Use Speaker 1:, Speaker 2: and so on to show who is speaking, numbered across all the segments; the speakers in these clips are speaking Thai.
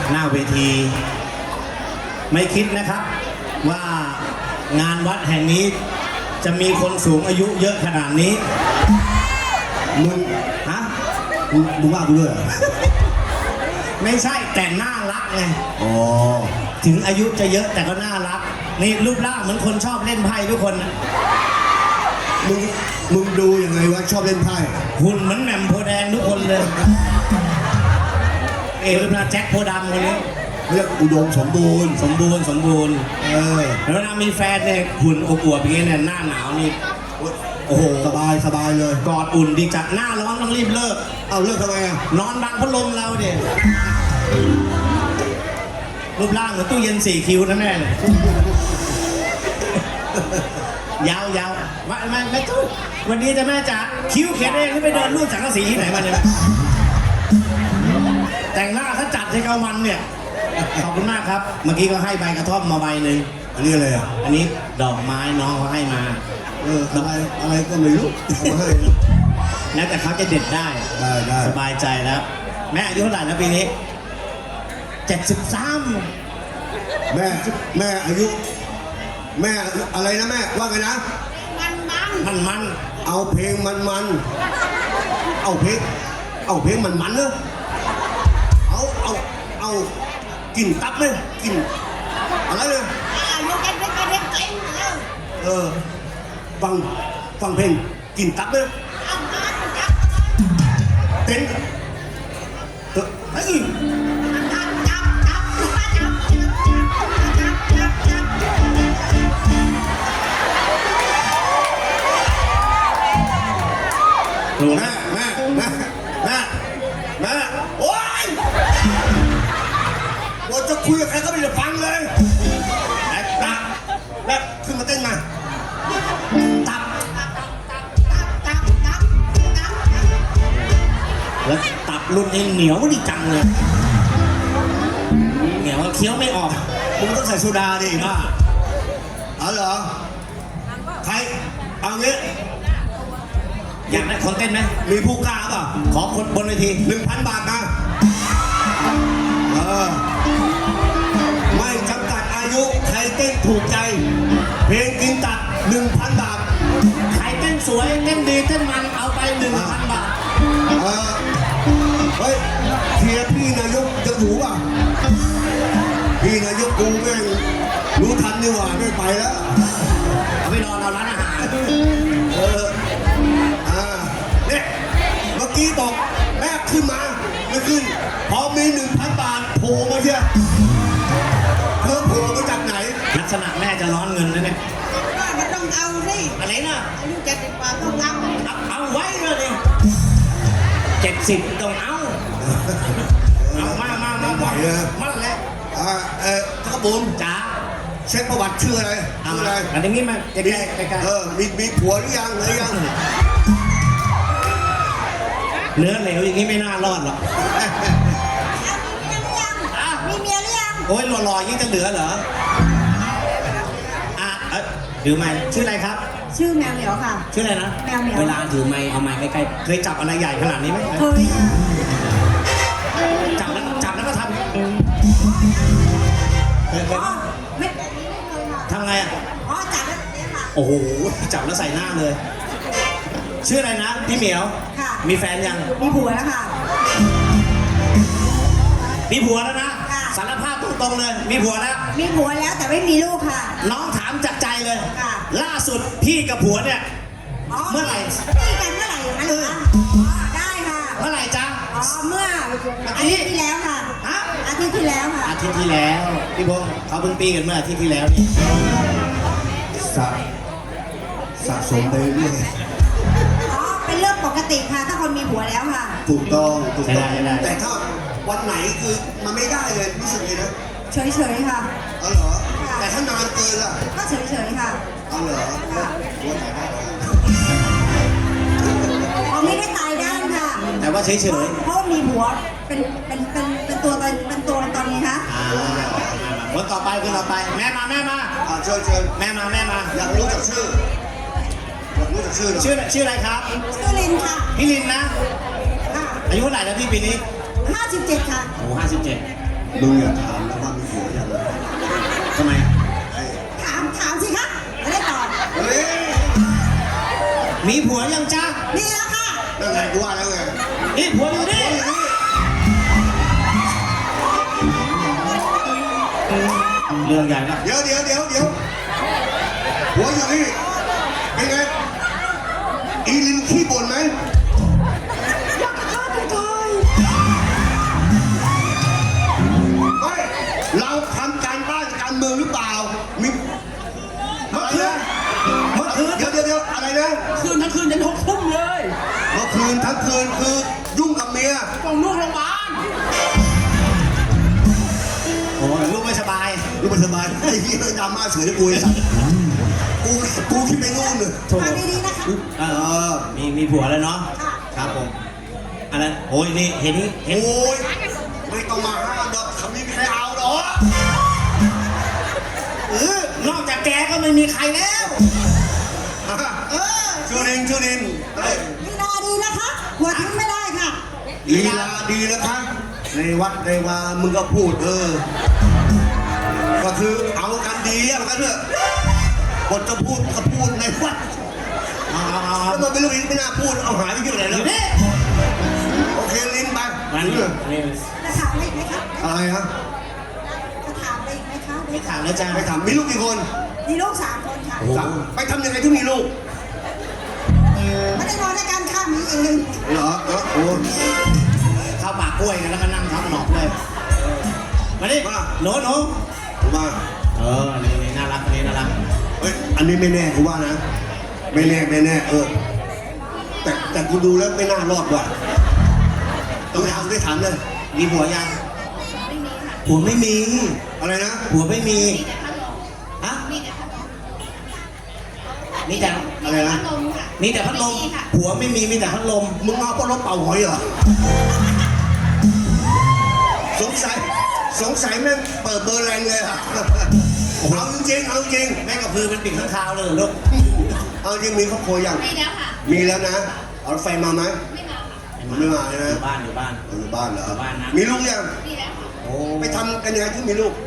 Speaker 1: หน้าเวทีไม่คิดนะครับว่างานวัดแห่งนี้จะมีคนสูงอายุเยอะขนาดนี้มึงฮะมึงว่ากูด้วยไม่ใช่แต่น่ารักไงอ๋อถึงอายุจะเยอะแต่ก็น่ารักนี่รูปร่างเหมือนคนชอบเล่นไพ่ทุกคน
Speaker 2: มึงดูยังไงวะชอบเล่นไพ่
Speaker 1: หุ่นเหมือนแหม่มโพแดงทุกคนเลยรูปร่างแจ็คโพดำคนนี้
Speaker 2: เรียกอุดมสมบูรณ์
Speaker 1: แล้วเวลามีแฟนเนี่ยหุ่นอวบๆอย่างเงี้ยเนี่ยหน้าหนาวนี่โอ้โห
Speaker 2: สบายเลย
Speaker 1: กอดอุ่นดีจัดหน้าร้อนต้องรีบเลิก
Speaker 2: เอาเลิกทำไมอ่ะ
Speaker 1: นอนบังพัดลมเราเด็รูปร่างเหมือนตู้เย็น4 คิวนะแม่ยาวไม่ตู้วันนี้จะแม่จ๋าคิ้วเขียนเองหรือไปเดินรูดสังกะสีที่ไหนมาเนี่ยแต่งหน้าถ้าจัดให้เขามันเนี่ยขอบคุณมากครับเมื่อกี้ก็ให้ใบกระท่อมมาใบหนึ่ง
Speaker 2: อันนี้อะไรอ่ะ
Speaker 1: อันนี้ดอกไม้น้องเขาให้มา
Speaker 2: อะไรก็ไม่รู้มาให้
Speaker 1: นะแต่เขาจะเด็ดได้สบายใจแล้วแม่อายุเท่าไหร่นะปีนี้73
Speaker 2: แม่อายุแม่อะไรนะแม่ว่าไงนะ
Speaker 1: มัน
Speaker 2: เอาเพลงมันเอาเพลงมันเนอะเอากินตับเลยกินอะไรเลยฟังเพลงกินตับเลยเต้นเฮ้ยแม่โอ๊ยว่าจะคุยกับใครก็ไม่ได้ฟังเลยแม่ขึ้นมาเต้นมาตับ
Speaker 1: แล้วตับรุ่นนี้เหนียวดีจังเลยเหนียวเคี้ยวไม่ออก
Speaker 2: มึงต้องใส่โซดาดิบ้าเอาเหรอใครเอางี้
Speaker 1: อยากได้คนเต้นไหม
Speaker 2: มีผู้กล้าป่ะ
Speaker 1: ขอคนบนเวที
Speaker 2: 1,000 บาทนะไม่จำกัดอายุใครเต้นถูกใจเพลงกินตัด 1,000 บาท
Speaker 1: ใครเต้นสวยเต้นดีเต้นมันเอาไป 1,000 บาท
Speaker 2: เฮ้ยเทียพี่นายกจะถูป่ะพี่นายกกูแม่งรู้ทันนี่หว่าไม่ไปแล้ว
Speaker 1: เอาไปนอนเราร้านอาหาร
Speaker 2: เนี่ยเมื่อกี้บอกแม่ขึ้นมาไม่ขึ้นพอมี 1,000 บาทโผล่มาเชียวเธอโผล่มาจากไหน
Speaker 1: ลักษณะแม่จะร้อนเงินนะเนี่ย
Speaker 3: ไม่ต้องเอาสิ
Speaker 1: อะไรนะ
Speaker 3: อายุ70 กว่าต้อง
Speaker 1: เอาไว้เลย70ต้องเอามา
Speaker 2: ไหวเลย
Speaker 1: มาเลย
Speaker 2: ทักบุญ
Speaker 1: จ๋า
Speaker 2: เช็คประวัติชื่ออะไร
Speaker 1: อันนี้มาใกล้
Speaker 2: มีผัวหรือยัง
Speaker 1: เนื้อเหลวอย่างนี้ไม่น่ารอดหรอก
Speaker 3: มีเมียหรือยัง
Speaker 1: โอ้ยหล่อๆยิ่งจะเหลือเหรอถือไม้ชื่ออะไรครับ
Speaker 3: ชื่อแมวเหมียวค่ะ
Speaker 1: ชื่ออะไรนะ
Speaker 3: แมวเหมียว
Speaker 1: เวลาถือไม้เอาไม้ใกล้ๆเคยจับอะไรใหญ่ขนาดนี้ไหม
Speaker 3: เคย
Speaker 1: จับแล้วก็ทำ
Speaker 3: ไม่
Speaker 1: ทำไงอ่ะ
Speaker 3: จับแล้วเนี่ยค่ะ
Speaker 1: โอ้โหจับแล้วใส่หน้าเลยชื่ออะไรนะพี่เหมียว
Speaker 3: ค่ะ
Speaker 1: มีแฟนยัง
Speaker 3: มีผัวแล้วค่ะ
Speaker 1: มีผัวแล้วนะสารภาพตรงๆเลยมีผัวแล้ว
Speaker 3: แต่ไม่มีลูกค่ะ
Speaker 1: น้องถามจากใจเลย
Speaker 3: ค่ะ
Speaker 1: ล่าสุดพี่กับผัวเนี่ยเมื่อไหร่
Speaker 3: พี่กันเมื่อไหร่อย่างนั้นคะได้ค่ะ
Speaker 1: เมื่อไหร่จ๊ะ
Speaker 3: เมื่ออาทิตย์ที่แล้วค่ะอาทิตย์ที่แล้วค่ะ
Speaker 1: อาทิตย์ที่แล้วพี่พงศ์เขาเพิ่งปีกันเมื่ออาทิตย์ที่แล้วนี่
Speaker 2: สะสมไปเรื่อย
Speaker 3: เป็นเรื่องปกติค่ะถ้าคนมีผัวแล้วค่ะ
Speaker 2: ถูกต้อง
Speaker 1: ได้
Speaker 2: แต่ถ้าวันไหนคือมันไม่ได้เลยรู้สึกไงนะ
Speaker 3: เฉยค่ะ
Speaker 2: เหรอแต่ถ้านานเกินล่ะ
Speaker 3: ก็เฉยค่ะ
Speaker 2: เหรอวันไหนได้
Speaker 3: ไม่ได้ตายด้านค่ะ
Speaker 1: แต่ว่าเฉย
Speaker 3: เพราะมีผัวเป็นตัวตอนนี้คะ
Speaker 1: คนต่อไปแม่มา
Speaker 2: เชิญ
Speaker 1: แม่มา
Speaker 2: อยากรู้จักชื่อ
Speaker 1: ชื่ออะไรครับ
Speaker 3: ชื่อลินค่ะ
Speaker 1: พี่ลินนะอายุเท่าไหร่แล้วพี่ปีนี้
Speaker 3: 57ค่ะ
Speaker 1: โอ้57
Speaker 2: มึงอย่าถามนะว่ามีผัวยังไง
Speaker 1: ทำไม
Speaker 2: ไอ้
Speaker 3: ถามสิคะไม่ได้ตอบ
Speaker 2: เฮ้ย
Speaker 1: มีผัวยังจ้า
Speaker 3: นี่แล้วค่ะ
Speaker 2: นั่นไงกูว่าแล้วไง
Speaker 1: นี่ผัวอยู่นี่เรื่องใหญ่นะ
Speaker 2: เดี๋ยวหัวอยู่นี่เป็นไงอีลินขี้บ่นไหมไม่เราทำการบ้านการเมืองหรือเปล่ามีอะไรนะเดี๋ยวอะไรนะ
Speaker 4: คืนทั้งคืนยัน6 ทุ่มเลย
Speaker 2: เมื่อคืนทั้งคืนคือยุ่งกับเมีย
Speaker 4: ต้องลูกโรงพยาบาล
Speaker 1: โอ้ยลูกไม่สบาย
Speaker 2: ลูกไม่สบายไอ้เหี้ยดราม่าเสือที่กูไอ้สัตว์กูคิดไปนู่นเลย
Speaker 1: โถ่
Speaker 3: ฟังดีๆนะคะ
Speaker 1: เออมีผัวแล้วเนาะ ครับผม อันนั้นโอ้ยนี่เห็น
Speaker 2: โอ้ยไม่ต้องมาห้ามดอกคำนี้ไม่ใครเอาหรอก
Speaker 1: นอกจากแกก็ไม่มีใครแล้ว
Speaker 2: ชูดินเฮ้ย
Speaker 3: ลีลาดีนะคะหัวทิ้งไม่ได้ค่ะ
Speaker 2: ลีลาดีนะคะในวัดในวามึงก็พูดก็คือเอากันดีอะมันก็เถอะบทจะพูดก็พูดในวัด
Speaker 1: เอา
Speaker 2: แล้วมันไม่รู้ไม่น่าพูดเอาหายไปอยู่ไหน
Speaker 1: อ
Speaker 2: แล้ว
Speaker 1: ยู่นี่
Speaker 2: โอเคลิ้นไป
Speaker 1: มัน
Speaker 2: เออ
Speaker 1: นี่
Speaker 3: จะถามอะไรอีกไหมคะ
Speaker 2: อะไรฮะ
Speaker 3: จะถามอะไรอีกไหมคะ
Speaker 1: ไม่ถามแล้วจ้า
Speaker 2: ไปถามมีลูกกี่คน
Speaker 3: มีลูก3 คนค่ะ
Speaker 2: สามไปทำยังไงถึงมีลูก
Speaker 3: ไม่ได้นอนด้วยกันค่ะมีเอง
Speaker 2: เหรอโอ้
Speaker 1: เข้าปากกล้วยกันแล้วก็นั่งทับหนอกเลยมาดิหนู
Speaker 2: มา
Speaker 1: นี่น่ารักนี่น่ารัก
Speaker 2: เฮ้ยอันนี้ไม่แน่กูว่านะไม่แน่แต่กูดูแล้วไม่น่ารอดว่ะต้องถามได้ถามเลย
Speaker 1: มีผัวยังผัวไม่มี
Speaker 2: อะไรนะ
Speaker 1: ผัวไม่มีฮะมีแต่
Speaker 2: อะไรนะ
Speaker 1: มีแต่พัดลมผัวไม่มีมีแต่พัดลม
Speaker 2: มึงเอาปลาเป่าหอยเหรอสงสัยแม่งเปิดเบอร์แรงเลยอะเอาจริง
Speaker 1: แม่งกับพือเป็นปิ่งข้างคาวเลยลูก
Speaker 2: เอาจริงมีครอบครัวยัง
Speaker 5: มีแล้วค่ะ
Speaker 2: มีแล้วนะเอาแฟนมาไหม
Speaker 5: ไม่มาค่ะ
Speaker 2: ไม่มาใช่ไหม
Speaker 1: อยู่บ้าน
Speaker 2: อยู่บ้านเหรอ
Speaker 1: อยู่บ้านนะ
Speaker 2: มีลูกยัง
Speaker 5: มีแล้วค่ะ
Speaker 1: โอ้
Speaker 2: ไปทำกันยังไงที่มีลูก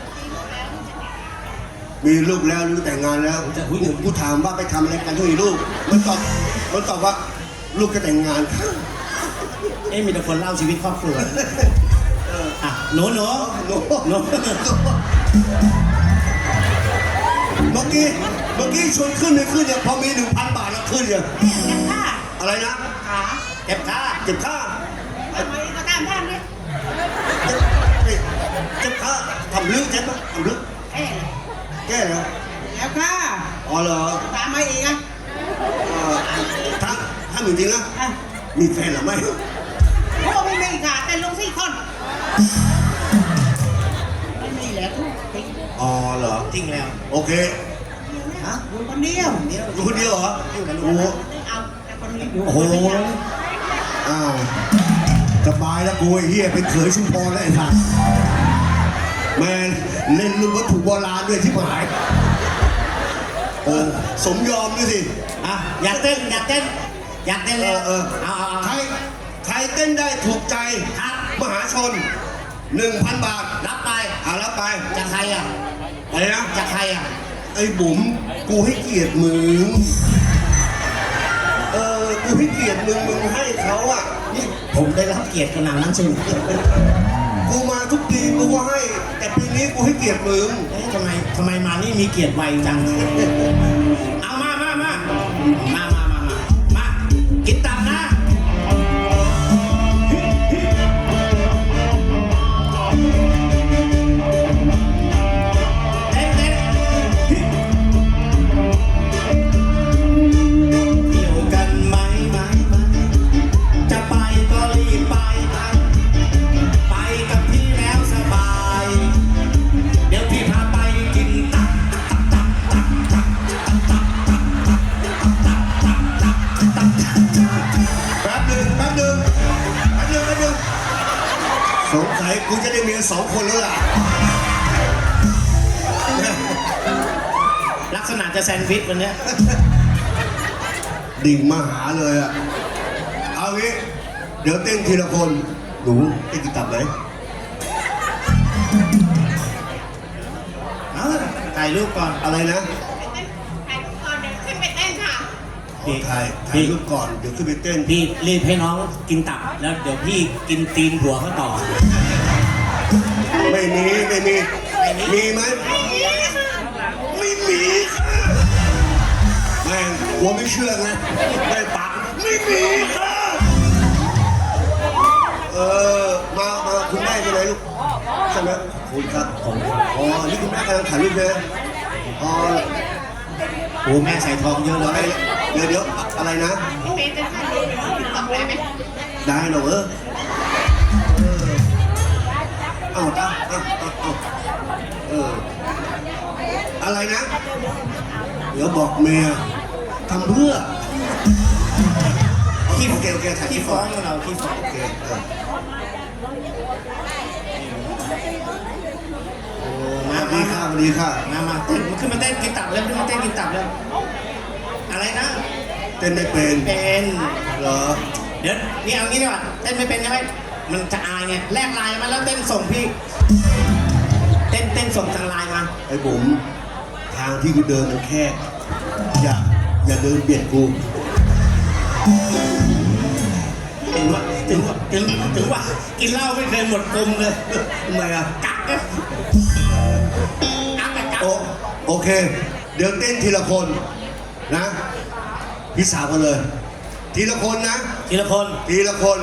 Speaker 5: มีลูกแล้วจะแต่ง
Speaker 2: มีลูกแล้วหรือแต่งงานแล้วกูถามว่าไปทำอะไรกันที่มีลูกมันตอบว่าลูกจะแต่งงานค่ะ
Speaker 1: มีแต่คนเล่าชีวิตครอบครัวอ่ะหนู
Speaker 2: โน้เมื่อกี้ชวนขึ้นไม่ขึ้นเนี่ยพอมี 1,000 บาทแล้วขึ้นเนี่ย
Speaker 3: กันค่ะ
Speaker 2: อะไรนะ
Speaker 3: ขา
Speaker 1: เก็บค่า
Speaker 2: เก็บค่า
Speaker 3: ทำไมมาตามท่านเนี่ย
Speaker 2: เก็บค่าทำลึกใช่ไหมทำลึก
Speaker 3: เอ๊ะ
Speaker 2: แก้เหรอ
Speaker 3: แล้วค่ะ
Speaker 2: อ๋อเหรอ
Speaker 3: ตามมาอีกอ่ะ
Speaker 2: ถ้าจริงๆนะ
Speaker 3: อ่ะ
Speaker 2: มีแฟนหรือไม่
Speaker 3: โอ้ไม่มีค่ะแต่ลง4 คนไม่มีแล้วทุกที
Speaker 2: อ๋อเหรอ
Speaker 1: จริงแล้ว
Speaker 2: โอเค
Speaker 3: ฮะอยู่คนเดียว
Speaker 2: อยู่คนเดียวเหรอโอ้โห
Speaker 3: เอาแต่คนนี้อยู่
Speaker 2: โอ้โหอ้าวสบายแล้วกูไอ้เหี้ยเป็นเขยชุมพรแล้วไอ้สัสแมนเล่นรุ่นวัตถุโบราณด้วยที่หายโอ้สมยอมด้วยสิ
Speaker 1: อ่ะอยากเต้นแล้ว เอา
Speaker 2: ใครเต้นได้ถูกใจ
Speaker 1: ครับ
Speaker 2: มหาชน 1,000 บาท
Speaker 1: รับไป
Speaker 2: เอารับไป
Speaker 1: จากใครอ่ะ
Speaker 2: อะไรนะ
Speaker 1: จากใครอ่ะ
Speaker 2: ไอ้บุ๋มกูให้เกียรติมึงกูให้เกียรติมึงให้เขาอ่ะ
Speaker 1: นี่ผมได้รับเกียรติขนาดนั้นจริง
Speaker 2: กูมาทุกปีกูก็ให้ แต่ปีนี้กูให้เกียรติมึง
Speaker 1: ทำไมมานี่มีเกียรติไวจัง เอามากินตับนะเต้นเที่ยวกันไหมจะไปก็รีบไปกับพี่แล้วสบาย เดี๋ยวพี่พาไปกินตับ
Speaker 2: แป๊บหนึ่งสงสัยกูจะได้เมีย2 คนแล้วล่ะ
Speaker 1: ลักษณะจะแซนด์วิชวันเนี้ย
Speaker 2: ดิ่งมาหาเลยอ่ะ เอางี้ เดี๋ยวเต้นทีละคน หนูเต้นกี่ตับไหน
Speaker 1: เอาถ่ายรูปก่อน
Speaker 2: อะไรนะ
Speaker 5: ถ่ายรูปก่อนเดี๋ยวขึ้นไปเต้นค่ะ
Speaker 2: ถ่ายรูปก่อนเดี๋ยวขึ้นไปเต้น
Speaker 1: พี่รีบให้น้องกินตับแล้วเดี๋ยวพี่กินตีนผัวเขาต่อ
Speaker 2: ไม่มีมีไหมไม่มีค่ะแม่งหัวไม่เชื่อไงได้ปากไม่มีค่ะมาคุณแม่ยังไงลูกใช่ไหมคุณครับอ๋อนี่คุณแม่กำลังถ่ายรูปเลยอ๋อ
Speaker 1: โอ้แม่ใส่ทองเยอะเลย
Speaker 2: เดี๋ยวอะไรนะ
Speaker 5: พี่เมย์จะถ่ายรูปติ๊กต็อกได้ไหม
Speaker 2: ได้เหรอเอาอะไรนะ เดี๋ยวบอกเมียทำเพื่อโอเคถ่าย
Speaker 1: ขี้
Speaker 2: ที่
Speaker 1: ฟ้
Speaker 2: ฟ้
Speaker 1: อ
Speaker 2: อง ง
Speaker 1: เราขี้ฟ้อง
Speaker 2: โอเค
Speaker 1: มา
Speaker 2: ดีค่ะดีค่ะ
Speaker 1: มาเต้นมาขึ้นมาเต้นกินตับแล้วขึ้นมาเต้นกินตับแล้วอะไรนะ
Speaker 2: เต้นไม่เป็น
Speaker 1: เป็น
Speaker 2: เหรอ
Speaker 1: เดี๋ยวนี่เอางี้ดีกว่าเต้นไม่เป็นใช่ไหมมันจะอายไงแลกไลน์มาแล้วเต้นส่งพี่เต้นส่งทางไลน์มา
Speaker 2: ไอ้ผมทางที่กูเดินมันแคบอย่าเดินเบียดกู
Speaker 1: ถึงว่ากินเหล้าไม่เคยหมดกลมเลย
Speaker 2: ทำไมอ่ะ
Speaker 1: กักกัก
Speaker 2: โอเค เดี๋ยวเต้นทีละคนนะพี่สาวกันเลย ทีละคนนะ
Speaker 1: ทีละคน
Speaker 2: ทีละคน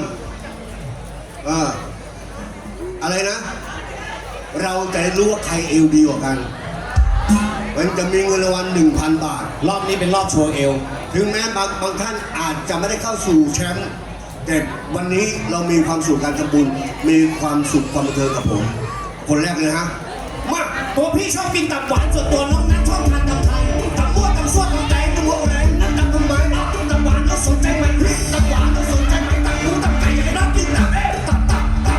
Speaker 2: อะไรนะ เราจะรู้ว่าใครเอวดีกว่ากัน มันจะมีเงินรางวัล 1,000 บาท
Speaker 1: รอบนี้เป็นรอบโชว์เอว
Speaker 2: ถึงแม้บางท่านอาจจะไม่ได้เข้าสู่แชมป์แต่วันนี้เรามีความสุขการทำบุญ มีความสุขความบันเทิงกับผม คนแรกเลยฮะ มา
Speaker 1: ตัวพี่ชอบกินตับหวานส่วนตัวน้องนั้นชอบทานตับไทยตับมั่วตับส้วนตับแตงตับหัวแรงนั่นตับทำไมตับหวานเราสนใจไหมตับหวานเราสนใจไหมตับหมูตับไก่อยากได้กินตับตับ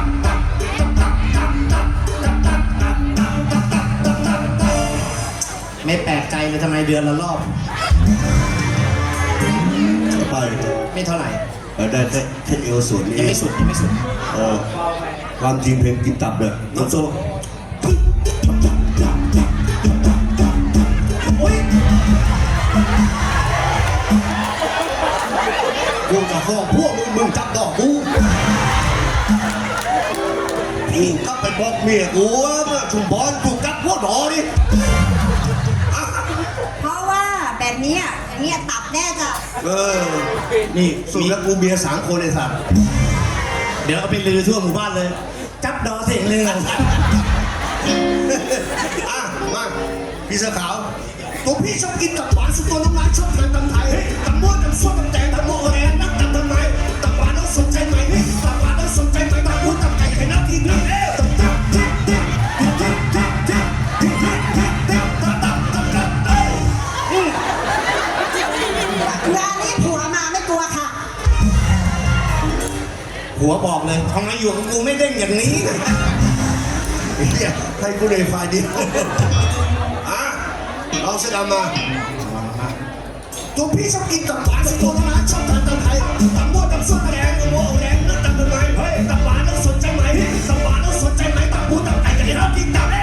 Speaker 1: ไม่แปลกใจเลยทำไมเดือนละรอบ
Speaker 2: ไป
Speaker 1: ไม่เท่าไหร่
Speaker 2: ได้แค่เอวส่วนนี้
Speaker 1: ยังไม่สุด
Speaker 2: ความจริงเพลงกินตับเลย
Speaker 1: น้องโซ
Speaker 2: กูจะฟ้องพวกมึงจับดอกกูพี่ก็ไปบอกเมียกูว่าเมื่อชุมพรถูกจับพวกหนอดิ
Speaker 3: เพราะว่าแบบเนี้ยอย่างเงี้ยตับแน่จ้ะ
Speaker 2: นี่สุดแล้วกูเมีย3 คนไอ้สัตว์
Speaker 1: เดี๋ยวเอาไปลือทั่วหมู่บ้านเลย จับดอเสียงเรื่อง
Speaker 2: มาพี่เสื้อขาวตัวพี่ชอบกินตับหวานสุดตัวน้องร้านชอบทานตำไทยตับม้วนตับส้มตับแตงตับโมแรงนักตับทำไมตับหวานต้องสนใจไหมตับหวานต้องสนใจไหมตับหมูตับไก่ให้นักกินด้วย
Speaker 3: งานนี้ผัวมาไม่กลัวค่ะ
Speaker 1: หัวบอกเลยทำไมอยู่กับกูไม่เด้งอย่างนี้
Speaker 2: เฮียให้กูเลยไฟเดียวเอาเสื้อดำมาตัวพี่ชอบกินตับหวานสุดตัวน้องร้านชอบทานตำไทยตับม้วนตับส้มตับแดงตับโมแรงนักตับทำไมตับหวานต้องสนใจไหมตับหวานต้องสนใจไหมตับหมูตับไก่ให้นักกินตับ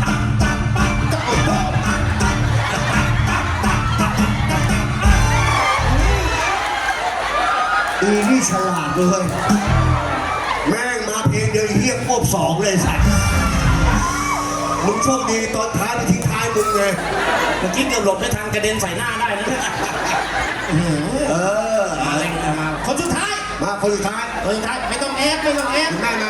Speaker 2: อีนี่ฉลาดเลยแม่งมาเพลงเดียวเฮียควบ2เลยสัตว์มึงโชคดีตอนท้ายไปทิ้งท้ายมึงไง
Speaker 1: เมื่อกี้เกือบหลบได้ทางกระเด็นใส่หน้าได้นะเนี่ยมาเลยมาคนสุดท้าย
Speaker 2: มาคนสุดท้าย
Speaker 1: ไม่ต้องแอฟ
Speaker 2: คุณแม่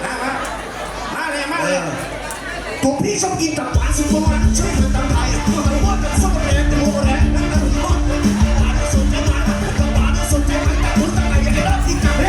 Speaker 2: มา
Speaker 1: มาเลย
Speaker 2: ตัวพี่ชอบกินตับหวานสุดตัวนั้นชอบทานตับไทยตับหวานตับส้มตับแดงตับโมแรงนักตับหวานสนใจไหมตับหวานสนใจไหมตับหมูตับไก่อยากได้รับกินตับ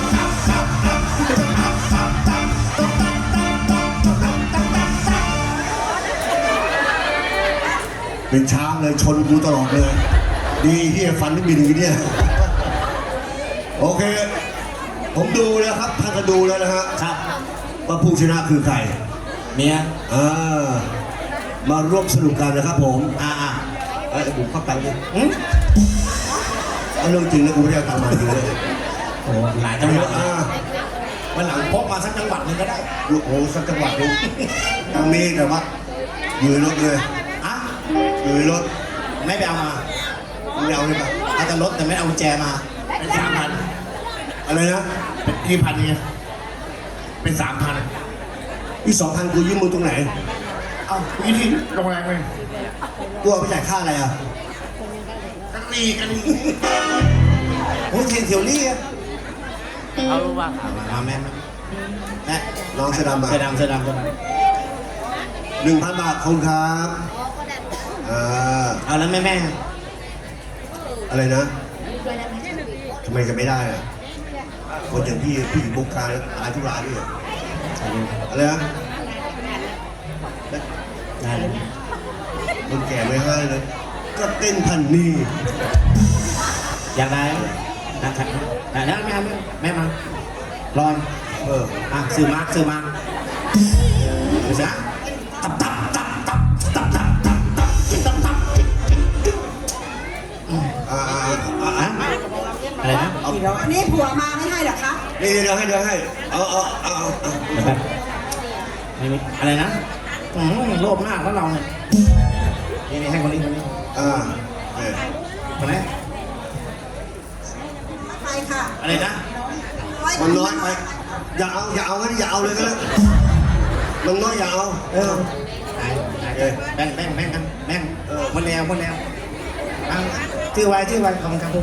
Speaker 2: เป็นช้างเลยชนกูตลอดเลยดีที่ฟันไม่บินอย่างนี้เนี่ยโอเคผมดูแล้วครับท่านก็ดูแล้วนะฮะ
Speaker 1: ครับ
Speaker 2: ว่าผู้ชนะคือใคร
Speaker 1: เมีย
Speaker 2: มาร่วมสนุกกันนะครับผม
Speaker 1: ๆ
Speaker 2: ไอ้บุ๋มเข้าไปเลยเรื่องจริงนะกูไม่ได้เอาตังค์มาจริงเลย
Speaker 1: โอ้หลายจังหวัดวันหลังพกมาสักจังหวัดหนึงก็ได้
Speaker 2: ลูกโอ้สักจังหวัดหนึงมีแต่ว่าอยู่ในรถเลย
Speaker 1: อะ
Speaker 2: อยู่ในรถ
Speaker 1: ไม่ไปเอามา
Speaker 2: ไม่เอาเลยปะ
Speaker 1: เอาแต่รถแต่ไม่เอากุญแจมาเป็น3,000
Speaker 2: อะไรนะ
Speaker 1: เป็น1,000ไงเป็น3,000
Speaker 2: อีก2,000กูยืมมึงตรงไหน
Speaker 1: เอาวิธีโรงแรมเลย
Speaker 2: กูเอาไปจ่ายค่าอะไรอ่ะ
Speaker 1: กันรีโอ้ยเทียนเทียวรี่อะเอาลูกว่ามาแม่แม่
Speaker 2: น้องเสื้อดำมา
Speaker 1: เสื้อดำเสื้อดำเสื้อดำ
Speaker 2: 1,000 บาทขอบคุณครับ
Speaker 1: เอาแล้วแม่
Speaker 2: อะไรนะทำไมจะไม่ได้อ่ะคนอย่างพี่ผู้หญิงบุกการอายทุกรายด้วยอะไรนะ
Speaker 1: ได้เลย
Speaker 2: คนแก่ไม่ให้เลย ก็เต้นพันนี่
Speaker 1: อยากได้นะครับได้แล้วแม่มารอน อ่ะซื้อมาดูสิฮะตับอะไรนะเอา
Speaker 3: อันนี้ผัวมาไม่ให้เหรอคะ
Speaker 2: นี่เดี๋ยวให้เอา
Speaker 1: แบบไม่มีอะไรนะโลภมากแล้วเราเนี่ยนี่ให้คนนี้ คนนี้
Speaker 3: ไปค่ะ
Speaker 1: อะไรนะ
Speaker 2: มันน้อยไปอย่าเอาก็อย่าเอาเลยก็แล้วมันน้อยอย่าเอา
Speaker 1: แบ่งกันแบ่งหมดแล้วชื่อไว้ขอบคุณครับ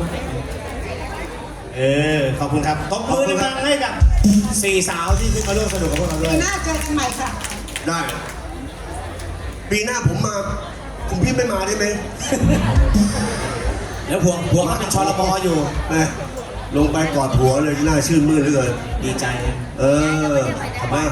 Speaker 1: ขอบคุณครับตบมือดังๆให้กับ4 สาวที่ขึ้นมาร่วมสนุกกับพวกเราด้ว
Speaker 3: ปี
Speaker 1: ย
Speaker 3: หน้าเจอกันใหม่ค่ะ
Speaker 2: ได้ปีหน้าผมมาคุณพี่ไม่มาได้ไหม
Speaker 1: แล้วพวงเขาเป็นชลบอยู่
Speaker 2: ลงไปกอดหัวเลยหน้าชื่นมื่นเหลือเกิน
Speaker 1: ดีใจ
Speaker 2: มา